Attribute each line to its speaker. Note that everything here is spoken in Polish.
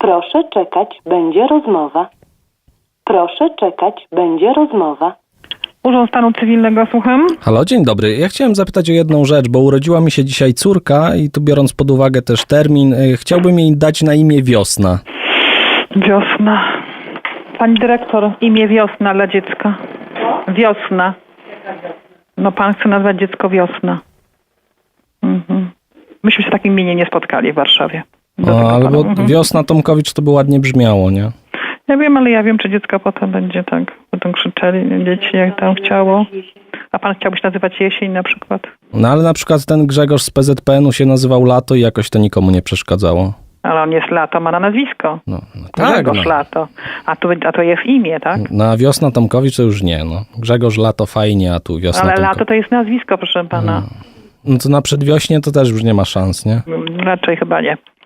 Speaker 1: Proszę czekać, będzie rozmowa. Proszę czekać, będzie rozmowa.
Speaker 2: Urząd Stanu Cywilnego, słucham.
Speaker 3: Halo, dzień dobry. Ja chciałem zapytać o jedną rzecz, bo urodziła mi się dzisiaj córka i tu biorąc pod uwagę też termin, chciałbym jej dać na imię Wiosna.
Speaker 2: Wiosna. Pani dyrektor, imię Wiosna dla dziecka. Wiosna. No pan chce nazwać dziecko Wiosna. Myśmy się w takim imieniu nie spotkali w Warszawie.
Speaker 3: Ale bo Wiosna Tomkowicz to by ładnie brzmiało, nie?
Speaker 2: Ja wiem, ale ja wiem, czy dziecko potem będzie tak, będą krzyczeli dzieci, jak tam chciało. A pan chciałbyś nazywać Jesień na przykład?
Speaker 3: No ale na przykład ten Grzegorz z PZPN-u się nazywał Lato i jakoś to nikomu nie przeszkadzało.
Speaker 2: Ale on jest Lato, ma na nazwisko.
Speaker 3: No tak,
Speaker 2: Grzegorz Lato. A to jest imię, tak?
Speaker 3: No a Wiosna Tomkowicz to już nie, no. Grzegorz Lato fajnie, a tu Wiosna
Speaker 2: Ale
Speaker 3: Tomkowicz.
Speaker 2: Lato to jest nazwisko, proszę pana.
Speaker 3: No to na przedwiośnie to też już nie ma szans, nie?
Speaker 2: Raczej chyba nie.